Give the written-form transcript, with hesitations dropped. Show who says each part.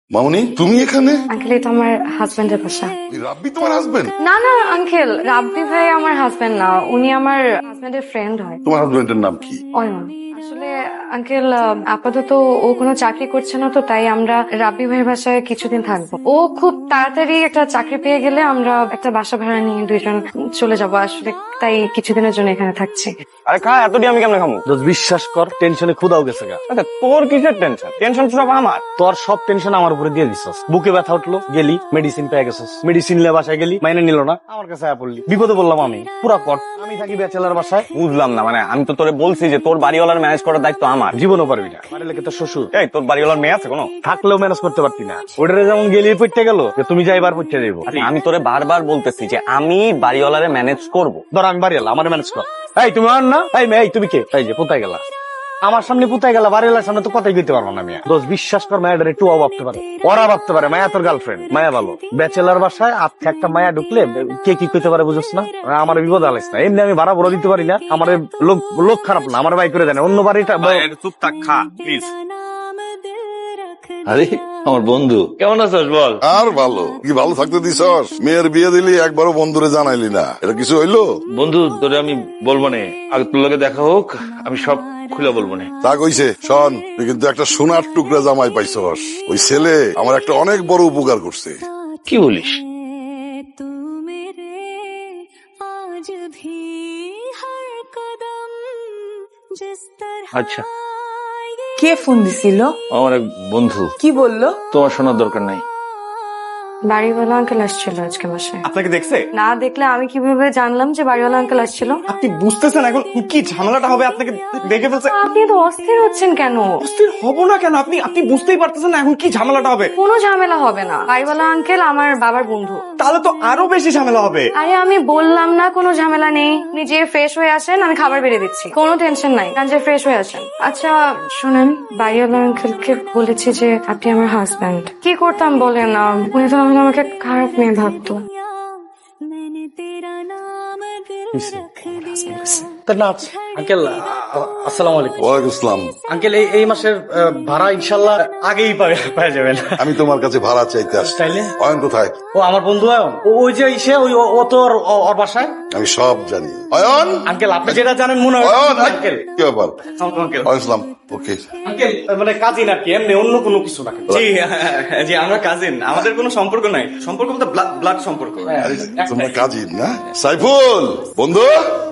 Speaker 1: মামুনি তুমি এখানে?
Speaker 2: আঙ্কেল এটা আমার হাজবেন্ডের বাসা।
Speaker 1: রাব্বি তোমার হাজবেন্ড?
Speaker 2: না না আঙ্কেল, রাব্বি ভাই আমার হাজবেন্ড না, উনি আমার হাজবেন্ডের ফ্রেন্ড হয়।
Speaker 1: তোমার হাজবেন্ডের নাম কি?
Speaker 2: অয়ন। আসলে আঙ্কেল আপাতত ও কোনো চাকরি করছে না, তো তাই আমরা রাব্বি ভাইয়ের বাসায় কিছুদিন থাকবো। ও খুব তাড়াতাড়ি একটা চাকরি পেয়ে গেলে আমরা একটা বাসা ভাড়া নিয়ে দুইজন চলে যাব। আসলে তাই কিছুদিনের জন্য এখানে থাকছি।
Speaker 3: আরে খা, এতটি আমি কেমনে খামু?
Speaker 4: দোস্ত বিশ্বাস কর, টেনশনে ক্ষুধাও গেছে গা।
Speaker 3: আচ্ছা তোর কিসের টেনশন? টেনশন সব আমার।
Speaker 4: তোর সব টেনশন আমার উপরে দিয়ে দিছস। বুকে ব্যথা উঠলো, গেলি মেডিসিন পেয়ে গেছস, মেডিসিন নিয়ে বাসায় গেলি, মাইনে নিল না, আমার কাছে আয়া পড়লি। বিপদে বললাম আমি, পুরা কট। আমি থাকি ব্যাচেলার বাসায়।
Speaker 3: বুঝলাম না, মানে আমি তো তোরে বলছি যে তোর বাড়িওয়ালার ম্যানেজ করার দায়িত্ব আমার।
Speaker 4: জীবনও পারবি না, বাড়ি লেগে তোর শ্বশুর।
Speaker 3: এই তোর বাড়িওয়ালার মেয়ে আছে কোনো?
Speaker 4: থাকলেও ম্যানেজ করতে পারতি না। ওটারে যেমন গেলি পড়তে গেল, যে তুমি যাইবার পড়তে যাইবো।
Speaker 3: আরে আমি তোরে বারবার বলতেছি যে আমি বাড়িওয়ালারে ম্যানেজ করব।
Speaker 4: ধর আমি বাড়ি এলাম, আমার ম্যানেজ কর। এই তুমি আর না, এই মেয়ে, এই তুমি কে? এই যে কোথায় গেলা? আমার সামনে পুতাই গেলা, বাড়ি এলার সামনে তো কথাই কইতে পারবো না। মিয়া দোস্ত বিশ্বাস কর, মায়াটার একটু ভাবতে পারে, ওরা ভাবতে পারে মায়া তোর গার্লফ্রেন্ড। মায়া ভালো ব্যাচেলার বাসায় আজকে একটা মায়া ঢুকলে কে কি কইতে পারে বুঝছ না? আমার বিপদ আলাইস না। এমনি আমি ভাড়া বড় দিতে পারি না, আমার লোক খারাপ না, আমার বাই করে দেয় না। অন্য বাড়িটা
Speaker 3: চুপ থাক, খা প্লিজ।
Speaker 5: আরে আমার বন্ধু কেমন আছিস বল?
Speaker 1: আর ভালো কি, ভালো থাকতে দিছস? মেয়ের বিয়ে দিলি, একবারও বন্ধুরে জানাইলি না, এটা কিছু হইলো?
Speaker 5: বন্ধু তোরে আমি বলবো না, আগে তোর লগে দেখা হোক, আমি সব খুলে বলবো না।
Speaker 1: তা কইছে শোন, তুই কিন্তু একটা সোনার টুকরা জামাই পাইছস। ওই ছেলে আমার একটা অনেক বড় উপকার করছে।
Speaker 5: কি বলিস? আচ্ছা,
Speaker 6: কে ফোন দিছিল?
Speaker 5: আমার এক বন্ধু।
Speaker 6: কি বললো?
Speaker 5: তোমার শোনার দরকার নাই।
Speaker 2: বাড়িওয়ালা আঙ্কেল আসছিল আজকে বাসায়।
Speaker 3: আপনাকে দেখছে?
Speaker 2: না দেখলে আমি কিভাবে জানলাম যে বাড়িওয়ালা আঙ্কেল আসছিল?
Speaker 3: আপনি বুঝতেছেন এখন কি ঝামেলাটা হবে? আপনাকে দেখে ফেলছে।
Speaker 2: আপনি তো অস্থির হচ্ছেন কেন?
Speaker 3: অস্থির হব না কেন? আপনি বুঝতেই পারতেছেন না এখন কি ঝামেলাটা হবে?
Speaker 2: কোনো ঝামেলা হবে না, বাড়িওয়ালা আঙ্কেল আমার বাবার বন্ধু।
Speaker 3: তাহলে তো আরো বেশি ঝামেলা হবে।
Speaker 2: আরে আমি বললাম না কোনো ঝামেলা নেই, নিজে ফ্রেশ হয়ে আসেন, আমি খাবার বেড়ে দিচ্ছি, কোনো টেনশন নাই, যে ফ্রেশ হয়ে আসেন। আচ্ছা শুনেন, বাড়িওয়ালা আঙ্কেলকে বলেছি যে আপনি আমার হাজব্যান্ড। কি করতাম বলেন, উনি তো তাহলে আমাকে খারাপ মেয়ে ভাবতো।
Speaker 4: আঙ্কেল আসসালামু আলাইকুম।
Speaker 1: ওয়ালাইকুম আসসালাম।
Speaker 4: আঙ্কেল এই মাসের ভাড়া ইনশাল্লাহ আগেই পাওয়া যাবেন।
Speaker 1: আমি তোমার কাছে ভাড়া চাইতে আসছি।
Speaker 4: তাইলে
Speaker 1: অয়ন কোথায়?
Speaker 4: ও আমার বন্ধু অয়ন, ওই যে ইসে ও তো ওর বাসায়।
Speaker 1: আমি সব জানি। অয়ন,
Speaker 4: আঙ্কেল আপনি যেটা জানেন মনে হয়।
Speaker 1: অয়ন,
Speaker 4: আঙ্কেল
Speaker 1: কি ব্যাপার?
Speaker 4: আঙ্কেল
Speaker 1: ওয়ালাইকুম আসসালাম। ওকে,
Speaker 4: আঙ্কেল মানে কাজিন আর কি, এমনি অন্য কোনো কিছু না।
Speaker 3: জি জি, আমরা কাজিন, আমাদের কোনো সম্পর্ক নাই। সম্পর্ক বলতে ব্লাড সম্পর্ক।
Speaker 1: তোমরা কাজিন না? সাইফুল বন্ধু,